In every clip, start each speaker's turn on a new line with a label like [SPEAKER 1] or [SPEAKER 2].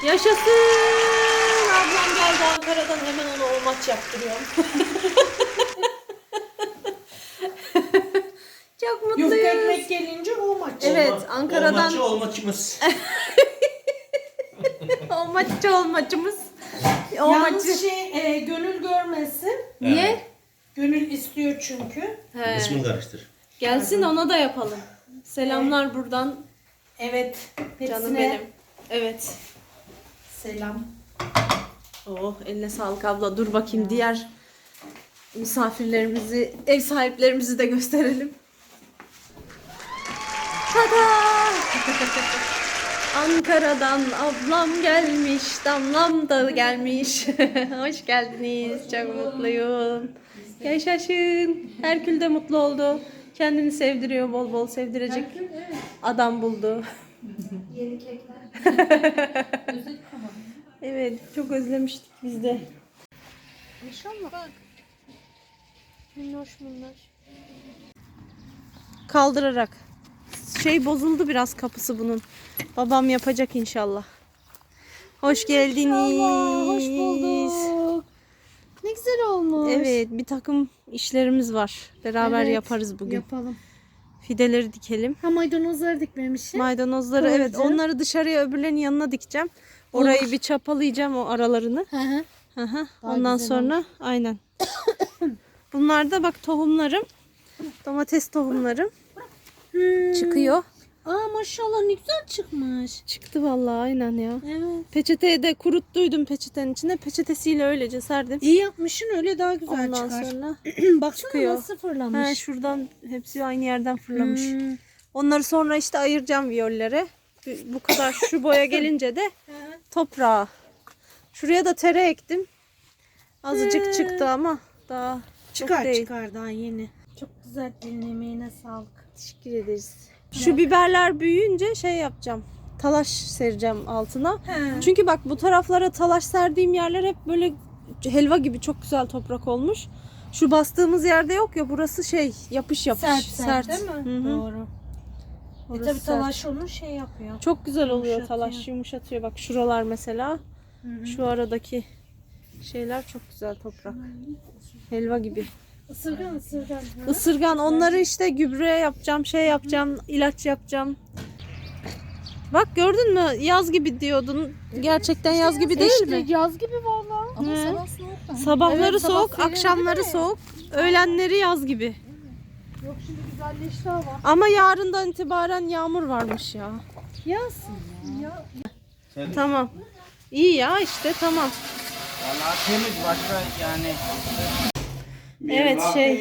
[SPEAKER 1] Yaşasın. Ablam geldi Ankara'dan, hemen ona o maç yaptırıyorum. Çok mutluyuz.
[SPEAKER 2] Yufka ekmek gelince o maç.
[SPEAKER 1] Evet, Ankara'dan
[SPEAKER 3] Olmaçımız.
[SPEAKER 1] o maçımız. O
[SPEAKER 2] Yalnız
[SPEAKER 1] maçı.
[SPEAKER 2] Gönül görmesin.
[SPEAKER 1] Niye?
[SPEAKER 2] Gönül istiyor çünkü.
[SPEAKER 1] He.
[SPEAKER 3] İsmini karıştır.
[SPEAKER 1] Gelsin, ona da yapalım. Selamlar buradan.
[SPEAKER 2] Evet.
[SPEAKER 1] Canım
[SPEAKER 2] Hepsine
[SPEAKER 1] benim. Evet.
[SPEAKER 2] selam.
[SPEAKER 1] Oh, eline sağlık abla. Dur bakayım, diğer misafirlerimizi, ev sahiplerimizi de gösterelim. Tada! Ankara'dan ablam gelmiş, damlam da gelmiş. Hoş geldiniz. Çok mutluyum. Yaşasın. Herkül de mutlu oldu. Kendini sevdiriyor, bol bol sevdirecek adam buldu.
[SPEAKER 4] Yeni kekler.
[SPEAKER 1] Evet, çok özlemiştik biz de. İnşallah. Bak. Minnoş minnoş. Kaldırarak. Şey bozuldu biraz, kapısı bunun. Babam yapacak inşallah. Hoş geldiniz.
[SPEAKER 4] Hoş bulduk. Ne güzel olmuş.
[SPEAKER 1] Evet, bir takım işlerimiz var. Beraber
[SPEAKER 4] Evet,
[SPEAKER 1] yaparız bugün.
[SPEAKER 4] Yapalım.
[SPEAKER 1] Fideleri dikelim.
[SPEAKER 4] Ha, maydanozları dikmemişim.
[SPEAKER 1] Maydanozları, evet,
[SPEAKER 4] Koyacağım.
[SPEAKER 1] onları dışarıya, öbürlerinin yanına dikeceğim. Orayı bir çapalayacağım, o aralarını.
[SPEAKER 4] Hı hı.
[SPEAKER 1] Hı hı.
[SPEAKER 4] Daha
[SPEAKER 1] Ondan
[SPEAKER 4] güzel
[SPEAKER 1] sonra aynen. Bunlar da bak tohumlarım. Domates tohumlarım çıkıyor.
[SPEAKER 4] Aa, maşallah ne güzel çıkmış.
[SPEAKER 1] Çıktı vallahi, aynen ya.
[SPEAKER 4] Evet.
[SPEAKER 1] Peçeteye de kuruttuydum, peçetenin içine. Peçetesiyle öylece serdim.
[SPEAKER 4] İyi yapmışsın, öyle daha güzel
[SPEAKER 1] Ondan
[SPEAKER 4] çıkar.
[SPEAKER 1] sonra
[SPEAKER 4] Baksana
[SPEAKER 1] çıkıyor.
[SPEAKER 4] nasıl fırlamış.
[SPEAKER 1] he, şuradan hepsi aynı yerden fırlamış.
[SPEAKER 4] Hmm.
[SPEAKER 1] Onları sonra işte ayıracağım viyollere. Bu kadar şu boya gelince de toprağa. Şuraya da tere ektim. Azıcık çıktı ama daha çok
[SPEAKER 4] Çıkar
[SPEAKER 1] değil.
[SPEAKER 4] çıkar, daha yeni. Çok güzel, elin emeğine sağlık.
[SPEAKER 1] Teşekkür ederiz. Şu biberler büyüyünce şey yapacağım. Talaş sereceğim altına.
[SPEAKER 4] He.
[SPEAKER 1] Çünkü bak, bu taraflara talaş serdiğim yerler hep böyle helva gibi çok güzel toprak olmuş. Şu bastığımız yerde yok ya, burası şey yapış yapış.
[SPEAKER 4] Sert değil mi?
[SPEAKER 1] Hı hı.
[SPEAKER 4] Doğru.
[SPEAKER 1] Orası
[SPEAKER 4] Tabii
[SPEAKER 1] sert.
[SPEAKER 4] talaş onu şey yapıyor.
[SPEAKER 1] Çok güzel oluyor,
[SPEAKER 4] Yumuşatıyor.
[SPEAKER 1] talaş yumuşatıyor. Bak şuralar mesela. Şu aradaki şeyler çok güzel toprak. Helva gibi.
[SPEAKER 4] Isırgan.
[SPEAKER 1] Isırgan, onları işte gübre yapacağım, şey yapacağım, ilaç yapacağım. Bak gördün mü? Yaz gibi diyordun. Gerçekten yaz gibi değil mi?
[SPEAKER 4] Yaz gibi valla. Ama
[SPEAKER 1] He.
[SPEAKER 4] sabah soğuk bence.
[SPEAKER 1] Sabahları
[SPEAKER 4] Evet, sabah
[SPEAKER 1] soğuk,
[SPEAKER 4] serin
[SPEAKER 1] akşamları
[SPEAKER 4] değil mi?
[SPEAKER 1] soğuk, öğlenleri yaz gibi.
[SPEAKER 4] Yok, şimdi güzelleşti hava.
[SPEAKER 1] Ama yarından itibaren yağmur varmış ya.
[SPEAKER 4] Yağsın ya.
[SPEAKER 1] Tamam. İyi ya işte, tamam.
[SPEAKER 5] Vallahi temiz, başka yani.
[SPEAKER 1] Evet,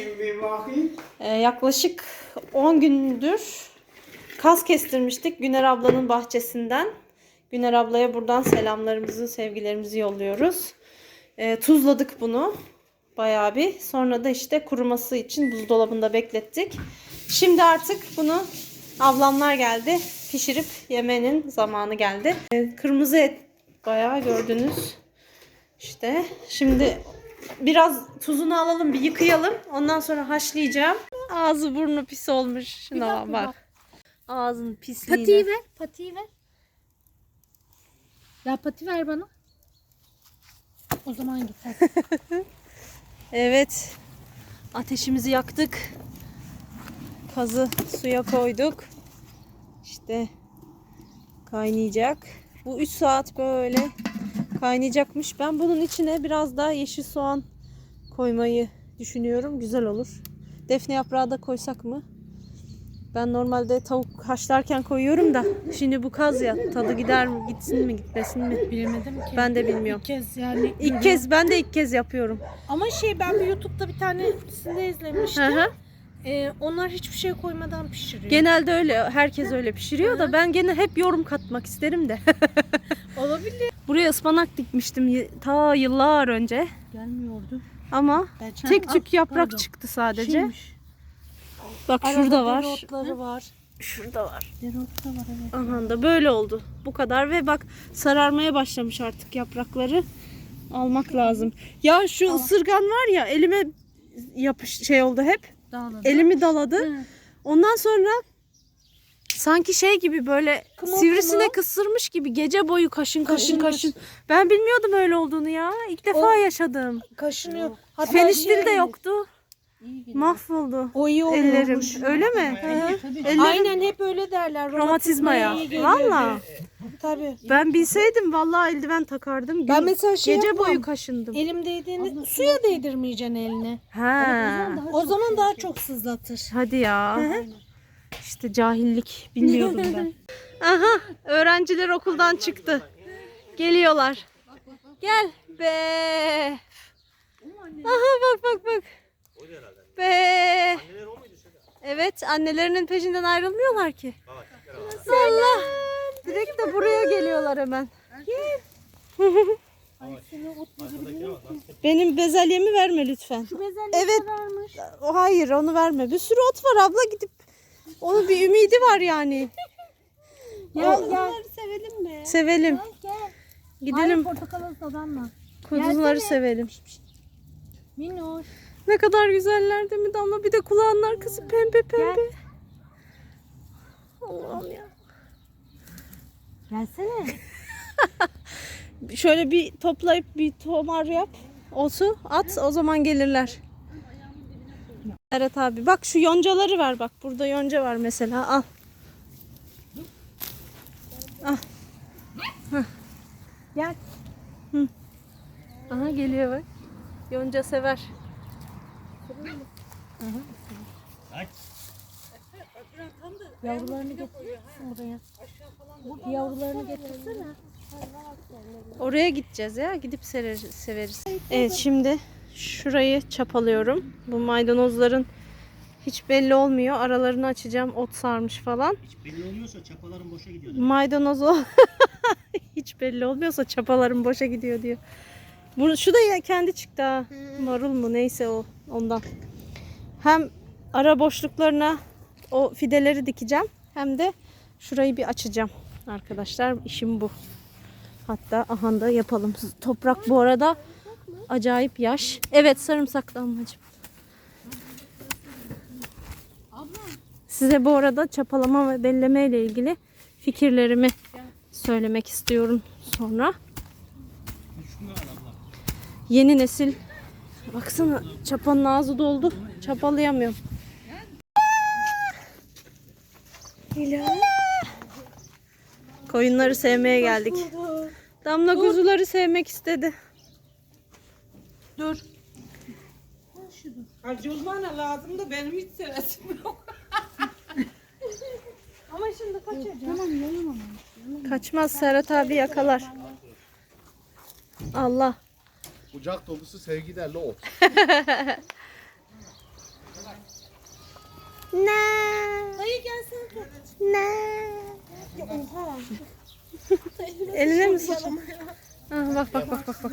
[SPEAKER 1] yaklaşık 10 gündür kas kestirmiştik Güner ablanın bahçesinden. Güner ablaya buradan selamlarımızı, sevgilerimizi yolluyoruz. Tuzladık bunu bayağı bir. Sonra da işte kuruması için buzdolabında beklettik. Şimdi artık bunu ablamlar geldi. Pişirip yemenin zamanı geldi. Kırmızı et bayağı gördünüz. İşte şimdi biraz tuzunu alalım, bir yıkayalım. Ondan sonra haşlayacağım. Ağzı burnu pis olmuş. Şuna bak. Ağzın pisliğine.
[SPEAKER 4] Patiyi ver. Patiyi ver. Ya pati ver bana. O zaman git hadi.
[SPEAKER 1] Evet. Ateşimizi yaktık. Kazı suya koyduk. İşte kaynayacak. Bu 3 saat böyle kaynayacakmış. Ben bunun içine biraz daha yeşil soğan koymayı düşünüyorum. Güzel olur. Defne yaprağı da koysak mı? Ben normalde tavuk haşlarken koyuyorum da şimdi bu kaz ya, tadı gider mi, gitsin mi, gitmesin mi?
[SPEAKER 4] Bilemedim ki.
[SPEAKER 1] Ben de bilmiyorum.
[SPEAKER 4] İlk kez yani.
[SPEAKER 1] Ben de ilk kez yapıyorum.
[SPEAKER 4] Ama ben bir YouTube'da bir tanesinde izlemiştim.
[SPEAKER 1] Hı hı.
[SPEAKER 4] Onlar hiçbir şey koymadan pişiriyor.
[SPEAKER 1] Genelde öyle, herkes öyle pişiriyor da ben gene hep yorum katmak isterim de.
[SPEAKER 4] Olabilir.
[SPEAKER 1] Buraya ıspanak dikmiştim ta yıllar önce.
[SPEAKER 4] Gelmiyordu.
[SPEAKER 1] Ama
[SPEAKER 4] Ben-
[SPEAKER 1] tek tük yaprak
[SPEAKER 4] pardon.
[SPEAKER 1] çıktı sadece.
[SPEAKER 4] Şeymiş.
[SPEAKER 1] Bak
[SPEAKER 4] Arada
[SPEAKER 1] şurada var.
[SPEAKER 4] dereotları var.
[SPEAKER 1] Şurada var.
[SPEAKER 4] Dereotu da var, evet.
[SPEAKER 1] Aha da böyle oldu. Bu kadar ve bak sararmaya başlamış artık yaprakları. Almak lazım. Ya şu ısırgan var ya, elime oldu hep.
[SPEAKER 4] Dağılır.
[SPEAKER 1] Elimi daladı.
[SPEAKER 4] Hı.
[SPEAKER 1] Ondan sonra Sanki şey gibi böyle sivrisinek ısırmış gibi gece boyu kaşın. Ben bilmiyordum öyle olduğunu ya. İlk defa yaşadım.
[SPEAKER 2] Kaşınıyor. Hatta
[SPEAKER 1] Feniştil de yoktu. Mahvoldu.
[SPEAKER 2] O iyi
[SPEAKER 1] Ellerim.
[SPEAKER 2] oluyormuş.
[SPEAKER 1] Öyle mi? Ellerim
[SPEAKER 2] Aynen hep öyle derler.
[SPEAKER 1] romatizmaya.
[SPEAKER 2] iyi geliyor.
[SPEAKER 1] Valla.
[SPEAKER 2] Tabii.
[SPEAKER 1] Ben bilseydim vallahi eldiven takardım.
[SPEAKER 2] Ben mesela şey
[SPEAKER 1] gece
[SPEAKER 2] yapmam.
[SPEAKER 1] boyu kaşındım.
[SPEAKER 2] Elim değdiğini suya değdirmeyeceksin eline.
[SPEAKER 1] Ha.
[SPEAKER 2] O zaman daha çok sızlatır.
[SPEAKER 1] Hadi ya. İşte cahillik bilmiyordum ben. Aha, öğrenciler okuldan çıktı. Geliyorlar. Gel be. Aha bak. Be. Evet, annelerinin peşinden ayrılmıyorlar ki. Allah. Direkt de buraya geliyorlar hemen. Benim bezelyemi verme lütfen. Evet. Hayır, onu verme. Bir sürü ot var abla, gidip onun bir ümidi var yani.
[SPEAKER 2] Onları sevelim mi?
[SPEAKER 1] Sevelim. Gidelim.
[SPEAKER 4] Portakalı dadanma.
[SPEAKER 1] Kuzuları sevelim.
[SPEAKER 4] Minnoş.
[SPEAKER 1] Ne kadar güzeller değil mi Damla? Bir de kulağının arkası pembe. Allah'ım ya.
[SPEAKER 4] Gelsene.
[SPEAKER 1] Şöyle bir toplayıp bir tomar yap. Otu at, o zaman gelirler. Evet abi, bak şu yoncaları ver bak. Burada yonca var mesela, al. Al. Hah.
[SPEAKER 4] Gel.
[SPEAKER 1] Aha geliyor bak. Yonca sever.
[SPEAKER 4] Yavrularını getirirsin buraya. Yavrularını getirsene.
[SPEAKER 1] Oraya gideceğiz ya. Gidip severiz. Evet, şimdi şurayı çapalıyorum. Bu maydanozların hiç belli olmuyor. Aralarını açacağım. Ot sarmış falan.
[SPEAKER 5] Hiç belli olmuyorsa çapaların boşa gidiyor.
[SPEAKER 1] Maydanoz o. Hiç belli olmuyorsa çapalarım boşa gidiyor diyor. Şu da ya kendi çıktı ha. Marul mu neyse o ondan. Hem ara boşluklarına o fideleri dikeceğim. Hem de şurayı bir açacağım. Arkadaşlar işim bu. Hatta aha da yapalım. Toprak bu arada acayip yaş. Evet, sarımsaklı amacım. Size bu arada çapalama ve belleme ile ilgili fikirlerimi söylemek istiyorum sonra. Yeni nesil, baksana çapanın ağzı doldu. Çapalayamıyorum. Koyunları sevmeye geldik. Damla kuzuları sevmek istedi.
[SPEAKER 2] Dur. Hacı uzmana lazım da benim hiç sevesim yok. Ama şimdi kaçacağım.
[SPEAKER 4] Tamam yayamam.
[SPEAKER 1] Kaçmaz, Serhat abi yakalar. Allah.
[SPEAKER 3] Kucak dolusu sevgilerle ot.
[SPEAKER 1] Ne?
[SPEAKER 2] Dayı gelsene.
[SPEAKER 1] Ne?
[SPEAKER 2] Ya oha.
[SPEAKER 1] Eline mi sıçın? Bak.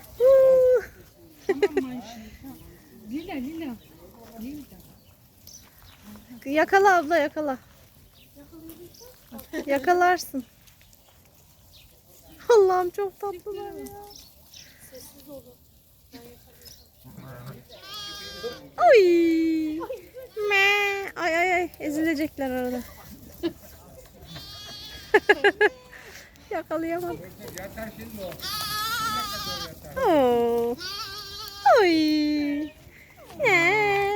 [SPEAKER 4] Lila.
[SPEAKER 1] Yakala abla, yakala. Yakalarsın. Allah'ım çok tatlılar ya. Ay. Me. Ay ezilecekler arada. Yakalayamam. Oo. Ay. Ne?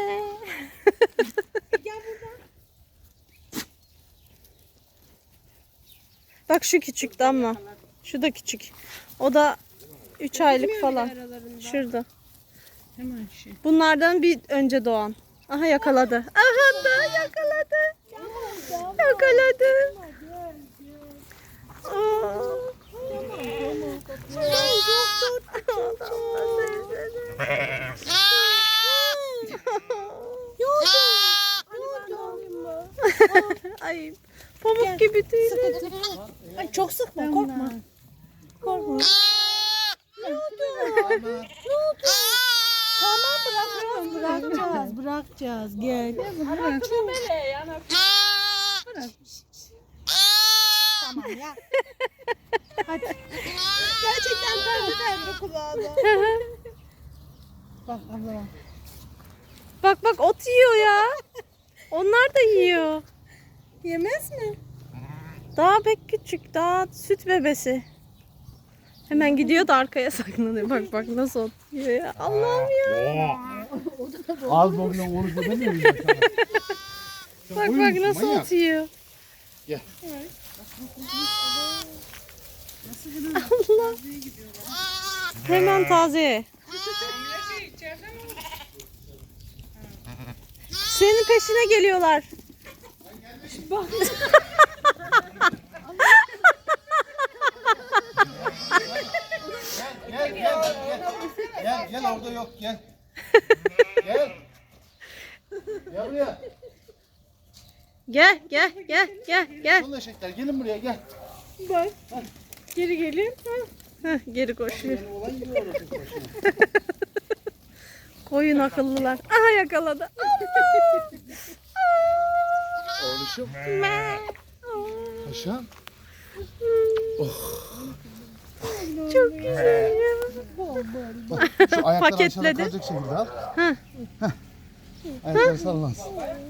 [SPEAKER 1] Bak şu küçük Damla. Şu da küçük. O da 3 aylık falan. Şurada.
[SPEAKER 2] Hemen şey.
[SPEAKER 1] Bunlardan bir önce doğan. Aha yakaladı. Aha da yakaladı. Yakaladı. Aa. Ay, pamuk gibi tüyleri.
[SPEAKER 2] Ay çok sıkma, korkma. Korkma. Tamam, bırakacağız. Gel. Tamam ya. Hadi. Gerçekten pembe kulağına. Bak abla.
[SPEAKER 1] Bak ot yiyor ya. Onlar da yiyor.
[SPEAKER 2] Yemez mi?
[SPEAKER 1] Daha pek küçük, daha süt bebesi. Hemen gidiyor da arkaya saklanıyor. Bak bak nasıl otluyor ya. Allah'ım ya.
[SPEAKER 3] Az boyunca konuşma demiyorum.
[SPEAKER 1] Bak bak nasıl otuyor.
[SPEAKER 3] Gel.
[SPEAKER 1] Allah. Hemen taze. Senin peşine geliyorlar.
[SPEAKER 3] Gel orada yok gel. Gel. Gel buraya.
[SPEAKER 1] Gel.
[SPEAKER 3] Son eşekler gelin buraya gel.
[SPEAKER 1] Bak. Geri gelin. Heh, geri koşuyor.
[SPEAKER 3] Benim olan gibi orası başına.
[SPEAKER 1] Koyun akıllılar. Aha yakaladı.
[SPEAKER 3] Oğluşum. Paşam.
[SPEAKER 1] Çok güzel ya.
[SPEAKER 3] Bak şu ayakları aşağıda
[SPEAKER 1] Paketledi.
[SPEAKER 3] kalacak şekilde al. Heh. Ayakları sallansın.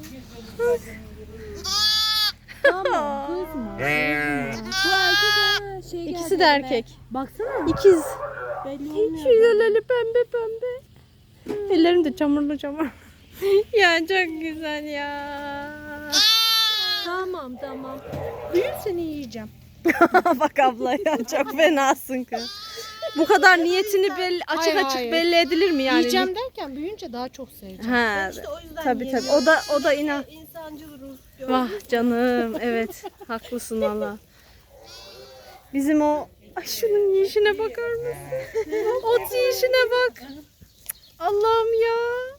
[SPEAKER 2] Bu erkek ha, şey
[SPEAKER 1] İkisi
[SPEAKER 2] geldi
[SPEAKER 1] de
[SPEAKER 2] elime.
[SPEAKER 1] erkek.
[SPEAKER 2] Baksana.
[SPEAKER 1] İkiz.
[SPEAKER 2] Belli olmuyor.
[SPEAKER 1] Şuraları pembe pembe. Ellerim de çamurlu çamur. Ya çok güzel ya.
[SPEAKER 2] Tamam. Büyür seni yiyeceğim.
[SPEAKER 1] Bak abla ya çok fenasın kız. Bu kadar niyetini açık
[SPEAKER 4] Hayır.
[SPEAKER 1] belli edilir mi yani?
[SPEAKER 4] Yiyeceğim derken büyüyünce daha çok seveceğim.
[SPEAKER 1] Ha,
[SPEAKER 2] O yüzden
[SPEAKER 1] tabii. O da inan.
[SPEAKER 2] İnsancıl ruh.
[SPEAKER 1] Vah canım evet haklısın valla. Bizim o ay şunun yiyişine bakar mısın? Ot yiyişine bak. Allah'ım ya.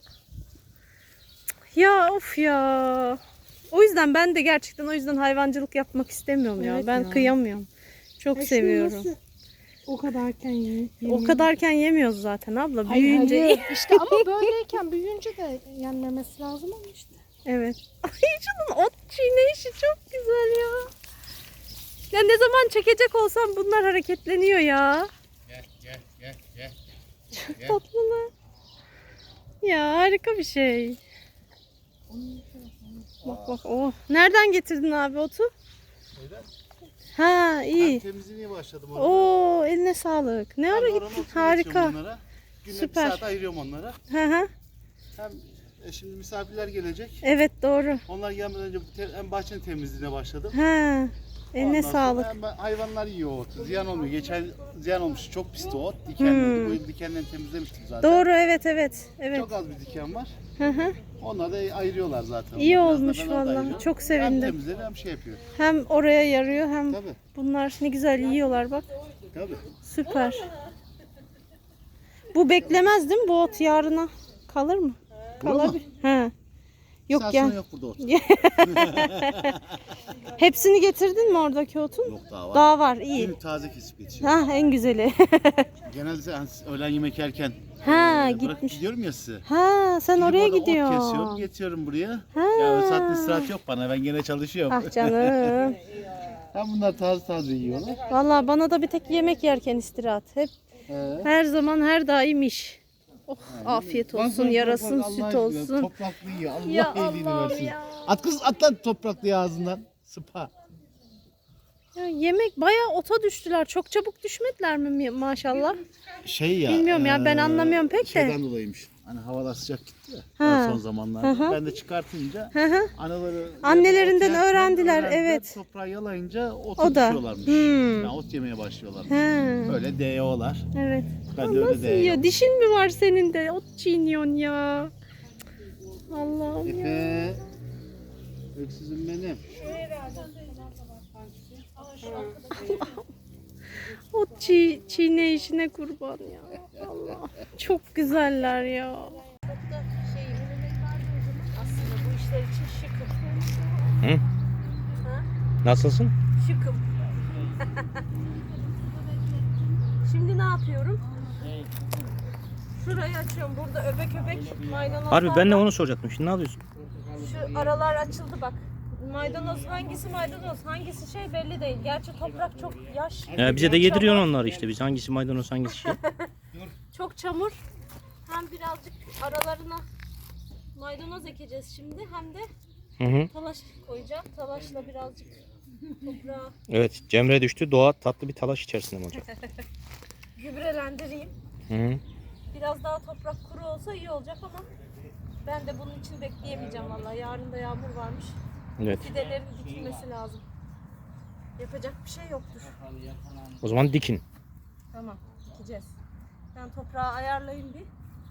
[SPEAKER 1] Ya of ya. O yüzden ben de gerçekten hayvancılık yapmak istemiyorum ya.
[SPEAKER 4] Evet
[SPEAKER 1] Ben
[SPEAKER 4] ya.
[SPEAKER 1] kıyamıyorum. Çok seviyorum.
[SPEAKER 4] O kadarken ye.
[SPEAKER 1] O kadarken yemiyoruz zaten abla. Büyüyünce
[SPEAKER 4] Hayır. İşte ama böyleyken büyüyünce de yenmemesi lazım ama işte.
[SPEAKER 1] evet. Ay şunun ot çiğneyişi çok güzel ya. Ya ne zaman çekecek olsam bunlar hareketleniyor ya.
[SPEAKER 3] Gel.
[SPEAKER 1] Çok tatlılar. Ya harika bir şey. Bak oh. Nereden getirdin abi otu? Ha iyi.
[SPEAKER 3] Temizliğe başladım orada.
[SPEAKER 1] Oo eline sağlık. Ne ara gittin? Harika.
[SPEAKER 3] Günde
[SPEAKER 1] Süper.
[SPEAKER 3] bir saat ayırıyorum onlara.
[SPEAKER 1] Hı hı.
[SPEAKER 3] Hem şimdi misafirler gelecek.
[SPEAKER 1] Evet doğru.
[SPEAKER 3] Onlar gelmeden önce hem bahçenin temizliğine başladım.
[SPEAKER 1] Ha. Eline
[SPEAKER 3] Ondan sonra
[SPEAKER 1] sağlık.
[SPEAKER 3] hem hayvanlar yiyor otu. Ziyan olmuyor. Geçen ziyan olmuş. Çok pisti o ot. Dikenliydi. Bu yıl dikenlerini temizlemiştim zaten.
[SPEAKER 1] Doğru evet. Evet.
[SPEAKER 3] Çok az bir diken var.
[SPEAKER 1] Hı hı.
[SPEAKER 3] Onlar da ayırıyorlar zaten.
[SPEAKER 1] İyi
[SPEAKER 3] Biraz da
[SPEAKER 1] olmuş
[SPEAKER 3] ben orada
[SPEAKER 1] vallahi.
[SPEAKER 3] ayırıyorum.
[SPEAKER 1] Çok
[SPEAKER 3] Hem
[SPEAKER 1] sevindim.
[SPEAKER 3] temizleri hem şey yapıyor.
[SPEAKER 1] Hem oraya yarıyor hem
[SPEAKER 3] Tabii.
[SPEAKER 1] bunlar ne güzel yiyorlar bak.
[SPEAKER 3] Tabii.
[SPEAKER 1] Süper. Bu beklemez değil mi? Bu ot yarına kalır mı?
[SPEAKER 3] Bura mı?
[SPEAKER 1] Kalabilir. He. Yok
[SPEAKER 3] Saat
[SPEAKER 1] gel.
[SPEAKER 3] sonra yok burada ot.
[SPEAKER 1] Hepsini getirdin mi oradaki otun?
[SPEAKER 3] Yok daha var.
[SPEAKER 1] Daha var. İyi.
[SPEAKER 3] Günlük taze kesip geçiyor.
[SPEAKER 1] Ha en güzeli.
[SPEAKER 3] Genelde hani öğlen yemek yerken
[SPEAKER 1] Ha
[SPEAKER 3] bırakıp
[SPEAKER 1] gitmiş.
[SPEAKER 3] gidiyorum ya size.
[SPEAKER 1] Ha sen
[SPEAKER 3] Gidip
[SPEAKER 1] oraya
[SPEAKER 3] orada ot
[SPEAKER 1] gidiyorsun.
[SPEAKER 3] kesiyorum, getiriyorum buraya.
[SPEAKER 1] Ha.
[SPEAKER 3] Ya o saatte istirahat yok bana. Ben gene çalışıyorum.
[SPEAKER 1] Ah canım.
[SPEAKER 3] Hem bunlar taze yiyorlar.
[SPEAKER 1] Vallahi bana da bir tek yemek yerken istirahat. Hep her zaman her daim iş. Oh afiyet olsun, yarasın, süt olsun.
[SPEAKER 3] Topraklı yiyor. Allah
[SPEAKER 1] Ya
[SPEAKER 3] iyiliğini
[SPEAKER 1] Allah'ım
[SPEAKER 3] versin.
[SPEAKER 1] ya.
[SPEAKER 3] At kız at lan topraklı ağzından. Sıpa.
[SPEAKER 1] Ya yemek bayağı ota düştüler. Çok çabuk düşmediler mi maşallah?
[SPEAKER 3] Şey ya.
[SPEAKER 1] Bilmiyorum ya, ben anlamıyorum pek de.
[SPEAKER 3] Şeyden dolayıymış. Hani havalar sıcak gitti ya.
[SPEAKER 1] Ha.
[SPEAKER 3] Son zamanlarda.
[SPEAKER 1] Hı hı.
[SPEAKER 3] Ben de çıkartınca
[SPEAKER 1] Hı hı.
[SPEAKER 3] anaları
[SPEAKER 1] Annelerinden
[SPEAKER 3] ot yerken
[SPEAKER 1] öğrendiler, evet.
[SPEAKER 3] Toprağı yalayınca ot
[SPEAKER 1] O da.
[SPEAKER 3] düşüyorlarmış. Yani ot yemeye başlıyorlarmış.
[SPEAKER 1] He.
[SPEAKER 3] Böyle DO'lar.
[SPEAKER 1] Evet.
[SPEAKER 3] Ben de öyle
[SPEAKER 1] Nasıl
[SPEAKER 3] DO.
[SPEAKER 1] yiyor? Dişin mi var senin de? Ot çiğniyorsun ya. Allah'ım ya.
[SPEAKER 3] Efe. Öksüzüm benim.
[SPEAKER 1] Ot çiğne işine kurban ya. Allah. Çok güzeller ya. Aslında bu işler için şıkım.
[SPEAKER 5] Nasılsın?
[SPEAKER 1] Şıkım. Şimdi ne yapıyorum? Şurayı açıyorum. Burada öbek öbek maydanozlar
[SPEAKER 5] Harbi ben de
[SPEAKER 1] var.
[SPEAKER 5] onu soracaktım. Şimdi ne yapıyorsun?
[SPEAKER 1] Şu aralar açıldı bak. Maydanoz hangisi maydanoz, hangisi şey belli değil. Gerçi toprak çok yaş.
[SPEAKER 5] Bize de yediriyorsun onları işte. Biz hangisi maydanoz hangisi şey.
[SPEAKER 1] Çok çamur. Hem birazcık aralarına maydanoz ekeceğiz şimdi hem de
[SPEAKER 5] Hı hı.
[SPEAKER 1] talaş koyacağım. Talaşla birazcık Toprağı
[SPEAKER 5] Evet, Cemre düştü. Doğa tatlı bir talaş içerisinde mi olacak?
[SPEAKER 1] gübrelendireyim.
[SPEAKER 5] Hı.
[SPEAKER 1] Biraz daha toprak kuru olsa iyi olacak ama ben de bunun için bekleyemeyeceğim vallahi. Yarın da yağmur varmış.
[SPEAKER 5] Evet.
[SPEAKER 1] Fidelerin dikilmesi lazım. Yapacak bir şey yoktur.
[SPEAKER 5] O zaman dikin.
[SPEAKER 1] Tamam, dikeceğiz. Ben toprağı ayarlayayım bir.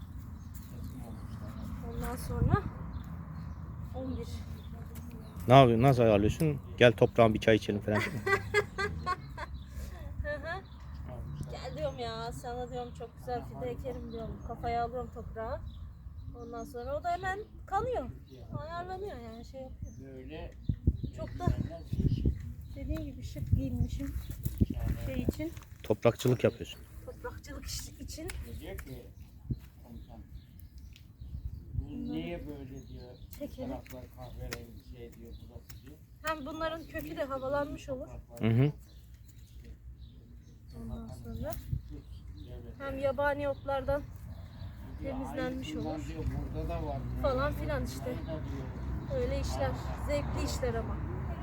[SPEAKER 1] Ondan sonra 11.
[SPEAKER 5] Ne yapıyorsun? Nasıl ayarlıyorsun? Gel toprağın bir çay içelim falan.
[SPEAKER 1] Hı hı. Gel diyorum ya, sana diyorum çok güzel fide ekerim diyorum. Kafaya alıyorum toprağı. Ondan sonra o da hemen kanıyor. Ayarlanıyor yani şey yapıyor. Çok da dediğim gibi şık giyinmişim şey için.
[SPEAKER 5] Toprakçılık yapıyorsun.
[SPEAKER 1] Toprakçılık için.
[SPEAKER 6] Diyor ki komutan, bu niye böyle diyor,
[SPEAKER 1] Çekelim.
[SPEAKER 6] taraflar kahverengi şey diyor, burası diyor.
[SPEAKER 1] Hem bunların kökü de havalanmış olur.
[SPEAKER 5] Hı hı.
[SPEAKER 1] Ondan sonra hem yabani otlardan temizlenmiş
[SPEAKER 6] Bunlar
[SPEAKER 1] olur
[SPEAKER 6] diyor, burada da var.
[SPEAKER 1] falan filan işte. Öyle işler. Zevkli işler ama.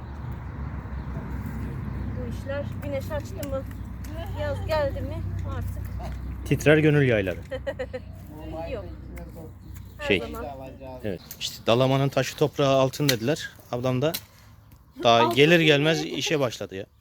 [SPEAKER 1] Bu işler güneş açtı mı, yaz geldi mi artık
[SPEAKER 5] Titrer gönül yayları.
[SPEAKER 1] yok. Her
[SPEAKER 5] Şey.
[SPEAKER 1] zaman.
[SPEAKER 5] Evet. İşte Dalaman'ın taşı toprağı altın dediler. Ablam da daha gelir gelmez işe başladı ya.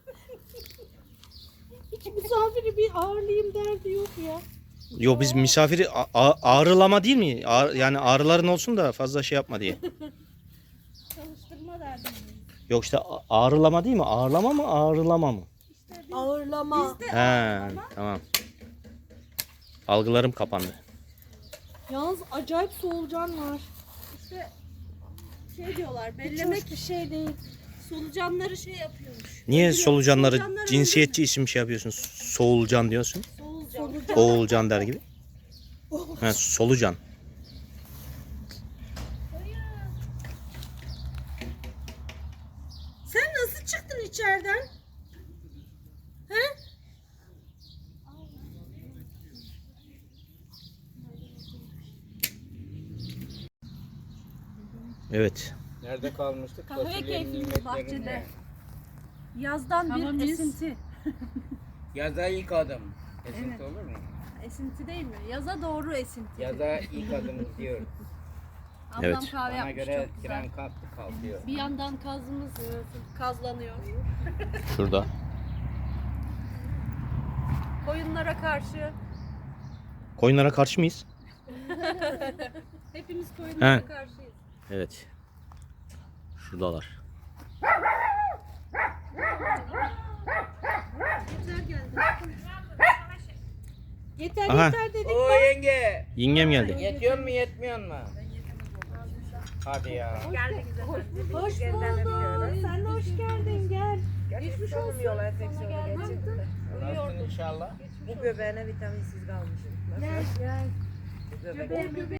[SPEAKER 2] Hiç misafiri bir ağırlayayım derdi yok ya.
[SPEAKER 5] Yo biz misafiri ağrılama değil mi? Yani ağrıların olsun da fazla şey yapma diye.
[SPEAKER 2] Çalıştırma derdi.
[SPEAKER 5] Yok işte ağrılama değil mi? Ağırlama mı ağrılama mı?
[SPEAKER 2] Ağırlama.
[SPEAKER 5] He tamam. Algılarım kapandı.
[SPEAKER 2] Yalnız acayip solucan var.
[SPEAKER 1] İşte şey diyorlar,
[SPEAKER 2] Hiç
[SPEAKER 1] bellemek
[SPEAKER 2] hoş bir şey değil.
[SPEAKER 1] solucanları şey yapıyormuş.
[SPEAKER 5] Niye solucanları
[SPEAKER 1] Solucanlar
[SPEAKER 5] cinsiyetçi isim şey yapıyorsun? Soğulcan diyorsun.
[SPEAKER 1] Solucan.
[SPEAKER 5] Oğulcan der gibi. He, solucan.
[SPEAKER 2] Sen nasıl çıktın içeriden?
[SPEAKER 5] Evet.
[SPEAKER 6] Nerede kalmıştık?
[SPEAKER 1] Kahve
[SPEAKER 6] Fasulyenin
[SPEAKER 1] keyfimiz
[SPEAKER 6] nimetlerinde.
[SPEAKER 1] bahçede. Yazdan
[SPEAKER 4] Tamam,
[SPEAKER 1] bir
[SPEAKER 4] biz-
[SPEAKER 1] esinti.
[SPEAKER 6] Yaza ilk adım. Esinti olur mu?
[SPEAKER 1] Esinti değil mi? Yaza doğru esinti.
[SPEAKER 6] Yaza ilk adım gidiyoruz.
[SPEAKER 1] Ablam
[SPEAKER 5] Evet.
[SPEAKER 1] kahve
[SPEAKER 6] Bana
[SPEAKER 1] yapmış
[SPEAKER 6] göre
[SPEAKER 1] çok güzel.
[SPEAKER 6] tren kalktı kalkıyor.
[SPEAKER 1] Bir yandan kazımız kazlanıyor.
[SPEAKER 5] Şurada.
[SPEAKER 1] Koyunlara karşı
[SPEAKER 5] Koyunlara karşı mıyız?
[SPEAKER 1] hepimiz koyunlara
[SPEAKER 5] He.
[SPEAKER 1] karşıyız.
[SPEAKER 5] Evet. Şuradalar.
[SPEAKER 2] Yeter
[SPEAKER 5] Aha.
[SPEAKER 2] yeter dedik.
[SPEAKER 6] Oo yenge!
[SPEAKER 5] Yengem geldi.
[SPEAKER 6] Yetiyor mu yetmiyor mu? Hadi ya.
[SPEAKER 2] Hoş bulduk. Sen de hoş geldin gel.
[SPEAKER 1] Geçmiş olsun. Sana geldim.
[SPEAKER 6] Nasılsın inşallah?
[SPEAKER 7] Bu göbeğine vitaminsiz kalmışım.
[SPEAKER 2] Gel.
[SPEAKER 7] Göbek.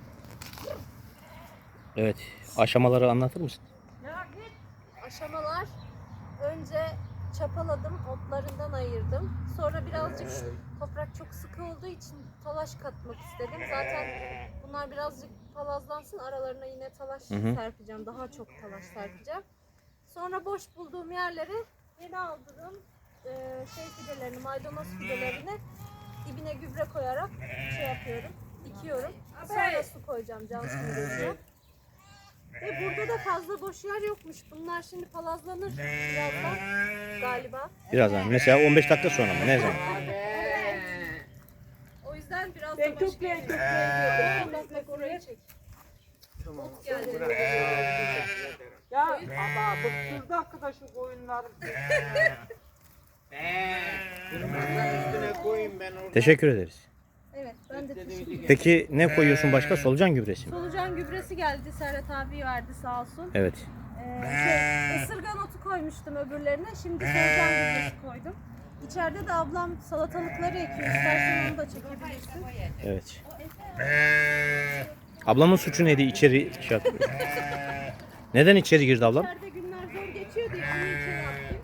[SPEAKER 5] Evet. Aşamaları anlatır mısın?
[SPEAKER 1] Aşamalar. Önce çapaladım, otlarından ayırdım. Sonra birazcık toprak çok sıkı olduğu için talaş katmak istedim. Zaten bunlar birazcık palazlansın, aralarına yine talaş serpeceğim. Daha çok talaş serpeceğim. Sonra boş bulduğum yerlere yeni aldığım fidelerini, maydanoz fidelerini dibine gübre koyarak şey yapıyorum, dikiyorum. Sonra su koyacağım can suyu. Ve burada da fazla boş yer yokmuş. Bunlar şimdi palazlanır birazdan galiba.
[SPEAKER 5] Birazdan. Mesela 15 dakika sonra mı? Ne zaman?
[SPEAKER 1] O yüzden biraz da boş yer. Bak orayı çek. Ot geldi.
[SPEAKER 7] Ya ama bıktırdı arkadaşım koyunları.
[SPEAKER 6] Üstüne koyayım ben orada.
[SPEAKER 5] Teşekkür ederiz.
[SPEAKER 1] Evet ben de teşekkür ederim.
[SPEAKER 5] Peki ne koyuyorsun başka? Solucan gübresi mi?
[SPEAKER 1] Solucan gübresi geldi. Serhat abi verdi sağ olsun.
[SPEAKER 5] Evet.
[SPEAKER 1] Isırgan otu koymuştum öbürlerine. Şimdi solucan gübresi koydum. İçeride de ablam salatalıkları ekiyor. İstersen onu da çekebilirsin.
[SPEAKER 5] Evet. Ablamın suçu neydi? İçeri şey yapıyor. Neden içeri girdi ablam?
[SPEAKER 1] İçeride günler zor geçiyor diye onu içeri attım.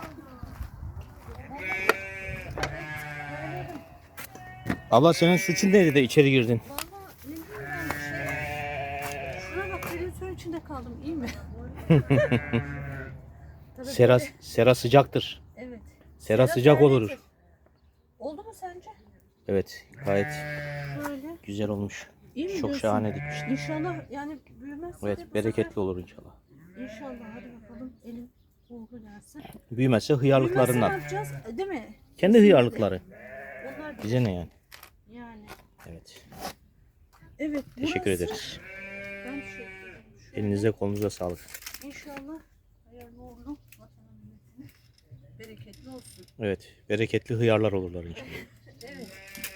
[SPEAKER 5] Abla senin suçun neydi de içeri girdin?
[SPEAKER 1] Valla ne bileyim ben Şuna bak derin suyun içinde kaldım iyi mi? Tabii
[SPEAKER 5] Sera sıcaktır.
[SPEAKER 2] Evet.
[SPEAKER 5] Sera sıcak olur.
[SPEAKER 2] Oldu mu sence?
[SPEAKER 5] Evet, gayet
[SPEAKER 2] Böyle.
[SPEAKER 5] güzel olmuş.
[SPEAKER 2] İyi mi
[SPEAKER 5] Çok
[SPEAKER 2] diyorsun?
[SPEAKER 5] şahane dikmişler.
[SPEAKER 2] İnşallah yani büyümezse de bu
[SPEAKER 5] Evet, bereketli olur inşallah.
[SPEAKER 2] sefer- İnşallah hadi bakalım elin uğurlu gelsin.
[SPEAKER 5] Büyümezse
[SPEAKER 2] Büyümezse ne
[SPEAKER 5] hıyarlıklarından.
[SPEAKER 2] yapacağız? Değil mi?
[SPEAKER 5] Kendi hıyarlıkları.
[SPEAKER 2] Onlar da
[SPEAKER 5] Bize ne yani?
[SPEAKER 2] yani.
[SPEAKER 5] Evet.
[SPEAKER 2] Evet.
[SPEAKER 5] Teşekkür
[SPEAKER 2] burası-
[SPEAKER 5] ederiz.
[SPEAKER 2] Ben teşekkür ederim.
[SPEAKER 5] Elinize kolunuza sağlık.
[SPEAKER 2] İnşallah hayırlı uğurlu vatana milletine bereketli olsun.
[SPEAKER 5] Evet, bereketli hıyarlar olurlar inşallah.
[SPEAKER 2] Evet.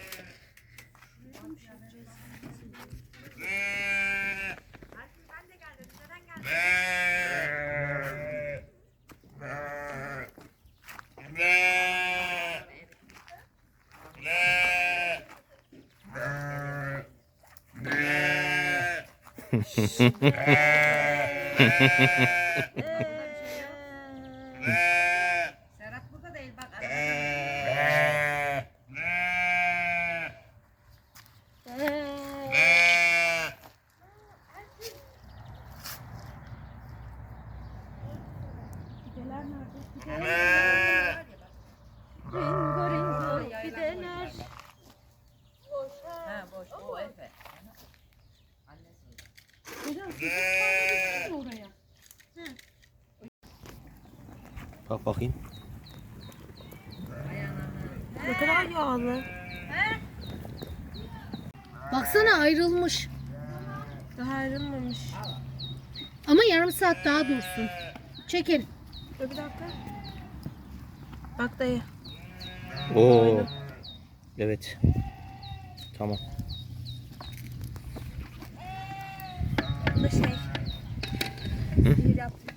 [SPEAKER 7] Serhat burada değil bak.
[SPEAKER 2] Ringo ringo gideler.
[SPEAKER 7] Ha boş o Efe.
[SPEAKER 4] Oraya.
[SPEAKER 5] Bak bakayım.
[SPEAKER 2] Ne kadar yağlı.
[SPEAKER 4] Baksana ayrılmış.
[SPEAKER 2] Daha ayrılmamış.
[SPEAKER 4] Ama yarım saat daha dursun. Çekil.
[SPEAKER 2] Dur bir dakika. Bak dayı.
[SPEAKER 5] Oo. Evet. Tamam.
[SPEAKER 2] Bu da şey. Sihir yaptım.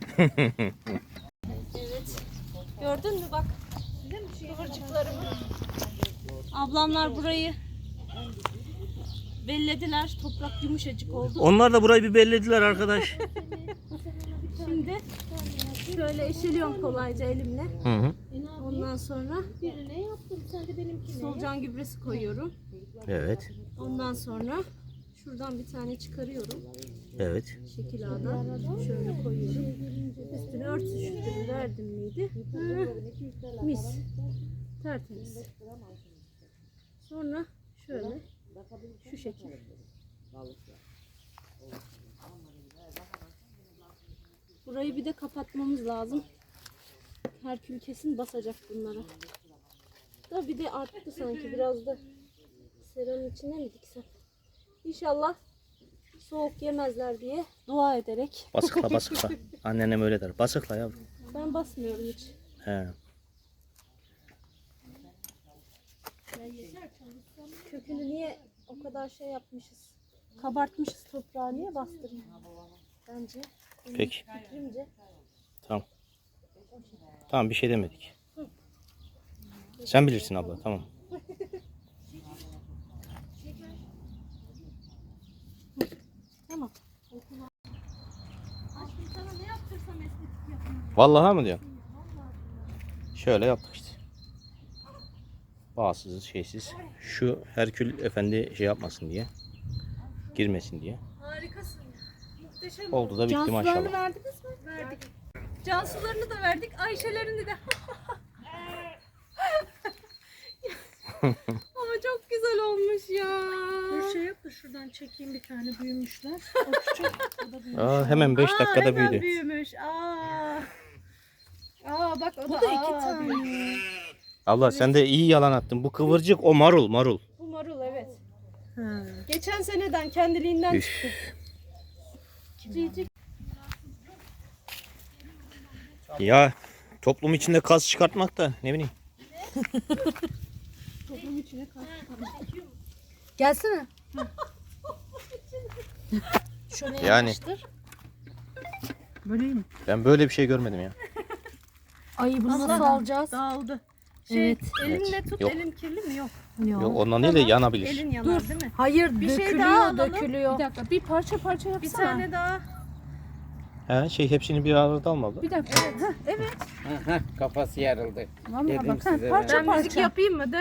[SPEAKER 2] Evet. Gördün mü bak. Kıvırcıklarımı. Ablamlar burayı bellediler. Toprak yumuşacık oldu.
[SPEAKER 5] Onlar da burayı bir bellediler arkadaş.
[SPEAKER 2] Şimdi şöyle eşeliyorum kolayca elimle.
[SPEAKER 5] Hı hı.
[SPEAKER 2] Ondan sonra solucan gübresi koyuyorum.
[SPEAKER 5] Evet.
[SPEAKER 2] Ondan sonra şuradan bir tane çıkarıyorum.
[SPEAKER 5] Evet.
[SPEAKER 2] Şekil A'dan şöyle koyuyorum. Üstüne örtüştürü verdim miydi? Hı, mis. Tertemiz. Sonra şöyle şu şekil. Burayı bir de kapatmamız lazım. Herkül kesin basacak bunlara. Da bir de arttı sanki biraz da seranın içine mi diksem? İnşallah soğuk yemezler diye dua ederek.
[SPEAKER 5] Basıkla basıkla. Annenem öyle der. Basıkla yavrum.
[SPEAKER 2] Ben basmıyorum hiç.
[SPEAKER 5] He.
[SPEAKER 2] Kökünü niye o kadar şey yapmışız? Kabartmışız toprağı niye bastırayım? Bence.
[SPEAKER 5] Peki.
[SPEAKER 2] Fikrimce.
[SPEAKER 5] Tamam. Tamam, bir şey demedik. Sen bilirsin abla. Tamam.
[SPEAKER 2] Tamam. Aşkım sana ne yaptırsam estetik yapayım.
[SPEAKER 5] Vallahi mı diyorsun? Şöyle yaptık işte. Bağsız, şeysiz. Şu Herkül Efendi şey yapmasın diye. Girmesin diye.
[SPEAKER 2] Harikasın ya. Muhteşem.
[SPEAKER 5] Oldu da bitti
[SPEAKER 2] Cansularını
[SPEAKER 5] maşallah.
[SPEAKER 2] verdiniz mi? Verdik. Cansularını da verdik. Ayşelerini de. Ama çok güzel olmuş ya.
[SPEAKER 4] Dur şey yap da şuradan çekeyim bir tane büyümüşler. O küçük. O da büyümüş.
[SPEAKER 5] Aa, hemen 5 dakikada
[SPEAKER 2] hemen
[SPEAKER 5] büyüdü.
[SPEAKER 2] büyümüş.
[SPEAKER 4] Bak o
[SPEAKER 2] Bu da iki tane.
[SPEAKER 5] Abla sen de iyi yalan attın. Bu kıvırcık, o marul, marul.
[SPEAKER 2] Bu marul evet. Geçen seneden kendiliğinden
[SPEAKER 5] Üf.
[SPEAKER 2] çıktı. Cicik.
[SPEAKER 5] Ya toplum içinde kaz çıkartmak da ne bileyim.
[SPEAKER 2] Toplum içine kaçtı.
[SPEAKER 4] Gelsene. Şöyle
[SPEAKER 5] Yani.
[SPEAKER 4] yapıştır.
[SPEAKER 5] Ben böyle bir şey görmedim ya.
[SPEAKER 4] Ay bunu nasıl alacağız?
[SPEAKER 2] Dağıldı.
[SPEAKER 4] Evet.
[SPEAKER 2] Elinle tut.
[SPEAKER 5] Yok.
[SPEAKER 2] Elin kirli mi? Yok.
[SPEAKER 5] Yok, ondan değil de yanabilir.
[SPEAKER 2] Elin yanar değil mi?
[SPEAKER 4] Hayır
[SPEAKER 2] Bir şey
[SPEAKER 4] dökülüyor
[SPEAKER 2] daha alalım.
[SPEAKER 4] dökülüyor.
[SPEAKER 2] Bir dakika bir parça parça yapsana. Bir tane daha.
[SPEAKER 5] He, hepsini bir arada almadı.
[SPEAKER 2] Bir dakika. Evet.
[SPEAKER 6] Kafası yarıldı.
[SPEAKER 2] Vallahi
[SPEAKER 6] Dedim
[SPEAKER 2] bak.
[SPEAKER 6] size
[SPEAKER 2] Parça
[SPEAKER 6] ben.
[SPEAKER 2] parça.
[SPEAKER 1] Müzik yapayım mı?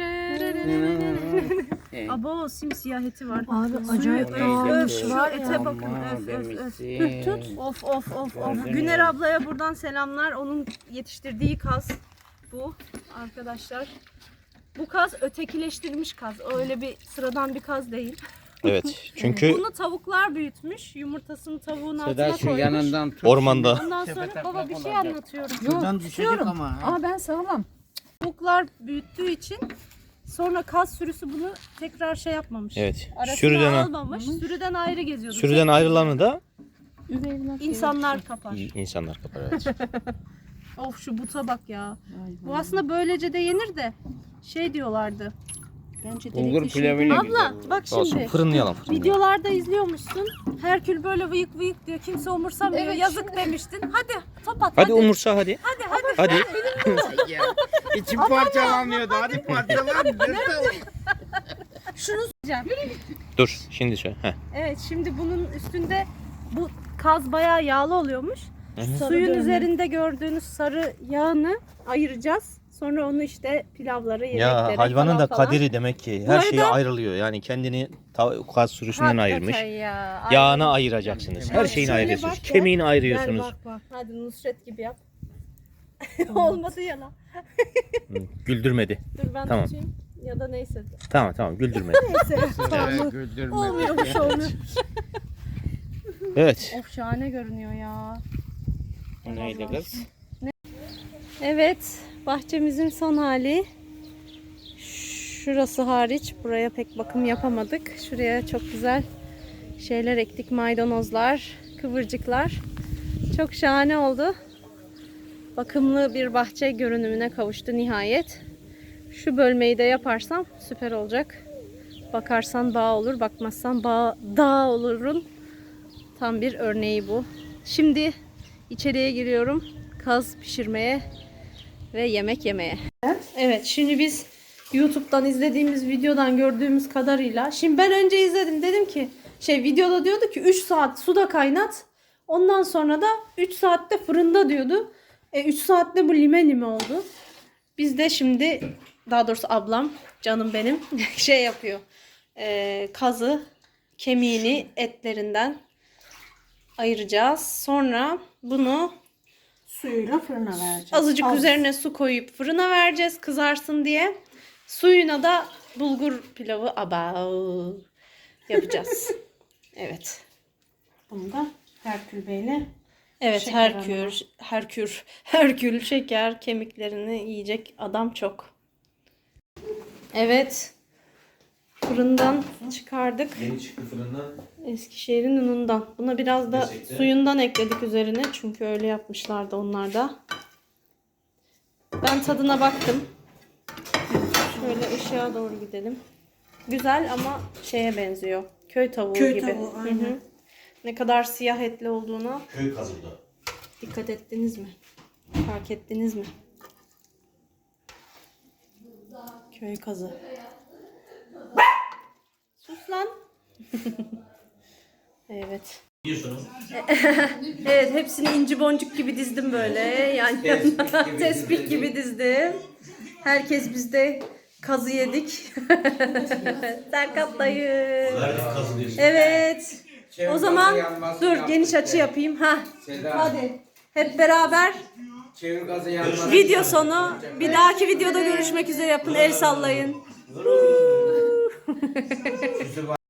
[SPEAKER 1] Abo simsiyah eti var.
[SPEAKER 4] Abi acayip dağılmış
[SPEAKER 1] Şu
[SPEAKER 4] var
[SPEAKER 1] ete
[SPEAKER 4] ya.
[SPEAKER 1] bakın.
[SPEAKER 6] Aman
[SPEAKER 1] Öf öf öf.
[SPEAKER 6] demişsin.
[SPEAKER 1] Of of of of.
[SPEAKER 6] Gördün
[SPEAKER 1] Güner
[SPEAKER 6] mü?
[SPEAKER 1] ablaya buradan selamlar. Onun yetiştirdiği kaz bu arkadaşlar. Bu kaz ötekileştirilmiş kaz. Öyle bir sıradan bir kaz değil.
[SPEAKER 5] Evet. Çünkü
[SPEAKER 1] Bunu tavuklar büyütmüş. Yumurtasını tavuğun altına
[SPEAKER 6] Seda şu
[SPEAKER 1] koymuş.
[SPEAKER 6] yanından tut.
[SPEAKER 5] ormanda
[SPEAKER 1] Ondan sonra baba bir şey anlatıyorum.
[SPEAKER 6] Şuradan düşecek ama. ha.
[SPEAKER 2] Aa ben sağlam.
[SPEAKER 1] Tavuklar büyüttüğü için sonra kaz sürüsü bunu tekrar şey yapmamış.
[SPEAKER 5] evet.
[SPEAKER 1] Arasına
[SPEAKER 5] Sürüden
[SPEAKER 1] almamış. Sürüden ayrı geziyordu.
[SPEAKER 5] sürüden ayrılanı da
[SPEAKER 1] İnsanlar kapar.
[SPEAKER 5] insanlar kapar. Evet.
[SPEAKER 1] Of şu buta bak ya. Bu aslında böylece de yenir de şey diyorlardı.
[SPEAKER 2] Bence
[SPEAKER 6] Bulgur pilavıyla güzel
[SPEAKER 1] Abla
[SPEAKER 6] olur.
[SPEAKER 1] bak
[SPEAKER 5] Olsun.
[SPEAKER 1] şimdi.
[SPEAKER 5] Fırınlayalım.
[SPEAKER 1] Videolarda izliyormuşsun. Herkül böyle vıyık vıyık diyor. Kimse umursamıyor.
[SPEAKER 2] Evet,
[SPEAKER 1] Yazık demiştin. Hadi top at.
[SPEAKER 5] Hadi umursa hadi.
[SPEAKER 1] Hadi hadi.
[SPEAKER 5] Hadi.
[SPEAKER 6] Ya, İçim parçalanmıyordu. Hadi parçalan.
[SPEAKER 1] Şunu söyleyeceğim.
[SPEAKER 5] Dur şimdi söyle. Heh.
[SPEAKER 1] Evet şimdi bunun üstünde bu kaz bayağı yağlı oluyormuş.
[SPEAKER 5] Hı
[SPEAKER 1] Suyun üzerinde gördüğünüz sarı yağını ayıracağız. Sonra onu işte pilavlara, yemeklere
[SPEAKER 5] Ya hayvanın da
[SPEAKER 1] falan.
[SPEAKER 5] kaderi demek ki
[SPEAKER 1] Bu
[SPEAKER 5] her şeye
[SPEAKER 1] arada-
[SPEAKER 5] ayrılıyor. Yani kendini kaz sürüsünden
[SPEAKER 1] Hakikaten
[SPEAKER 5] ayırmış.
[SPEAKER 1] ya.
[SPEAKER 5] Yağını ayıracaksınız. Her
[SPEAKER 1] Bak,
[SPEAKER 5] şeyini
[SPEAKER 1] şöyle
[SPEAKER 5] ayırıyorsunuz.
[SPEAKER 1] bak ya.
[SPEAKER 5] Kemiğini
[SPEAKER 1] Gel
[SPEAKER 5] ayırıyorsunuz.
[SPEAKER 1] bak bak. Hadi Nusret gibi yap. Olmadı ya lan.
[SPEAKER 5] Hı, güldürmedi.
[SPEAKER 1] Dur ben
[SPEAKER 5] Tamam.
[SPEAKER 1] tutayım. Ya da neyse.
[SPEAKER 5] Tamam güldürmedi.
[SPEAKER 1] Neyse. tamam.
[SPEAKER 6] Evet, güldürme.
[SPEAKER 1] Olmuyormuş olmuyor.
[SPEAKER 5] Evet.
[SPEAKER 1] Of şahane görünüyor ya.
[SPEAKER 6] Bu neydi kız?
[SPEAKER 1] Evet. Bahçemizin son hali. Şurası hariç. Buraya pek bakım yapamadık. Şuraya çok güzel şeyler ektik. Maydanozlar, kıvırcıklar. Çok şahane oldu. Bakımlı bir bahçe görünümüne kavuştu nihayet. Şu bölmeyi de yaparsam süper olacak. Bakarsan bağ olur, bakmazsan dağ olurun. Tam bir örneği bu. Şimdi içeriye giriyorum. Kaz pişirmeye ve yemek yemeye. Evet, şimdi biz YouTube'dan izlediğimiz videodan gördüğümüz kadarıyla. Şimdi ben önce izledim. Dedim ki videoda diyordu ki 3 saat suda kaynat. Ondan sonra da 3 saatte fırında diyordu. 3 saatte bu lime oldu. Biz de şimdi daha doğrusu ablam canım benim yapıyor. Kazı kemiğini etlerinden ayıracağız. Sonra bunu
[SPEAKER 4] Suyuyla fırına vereceğiz.
[SPEAKER 1] azıcık
[SPEAKER 4] Az.
[SPEAKER 1] üzerine su koyup fırına vereceğiz kızarsın diye. Suyuna da bulgur pilavı yapacağız. Evet.
[SPEAKER 4] Bunu da Herkül Bey'le
[SPEAKER 1] Evet,
[SPEAKER 4] Şeker
[SPEAKER 1] Herkül şeker kemiklerini yiyecek adam çok. Evet. Fırından çıkardık.
[SPEAKER 5] Yeni çıktı fırından.
[SPEAKER 1] Eskişehir'in unundan. Buna biraz da
[SPEAKER 5] Gerçekten.
[SPEAKER 1] suyundan ekledik üzerine. Çünkü öyle yapmışlardı onlar da. Ben tadına baktım. Şöyle ışığa doğru gidelim. Güzel ama şeye benziyor. Köy tavuğu
[SPEAKER 4] Köy
[SPEAKER 1] gibi.
[SPEAKER 4] tavuğu, aynen.
[SPEAKER 1] Hı hı. Ne kadar siyah etli olduğuna
[SPEAKER 5] Köy kazı bu da.
[SPEAKER 1] dikkat ettiniz mi? Fark ettiniz mi? Köy kazı. Sus lan. Evet.
[SPEAKER 5] Yiyorsunuz.
[SPEAKER 1] Evet, hepsini inci boncuk gibi dizdim böyle. Yani tespih gibi dizdim. Herkes bizde kazı yedik. Serkat dayı.
[SPEAKER 5] Kazı diyorsun.
[SPEAKER 1] Evet. O zaman dur geniş açı yapayım. Hadi. Hep beraber
[SPEAKER 6] Çevir gazı yanmasın.
[SPEAKER 1] video sonu. Bir dahaki videoda görüşmek üzere yapın. El sallayın.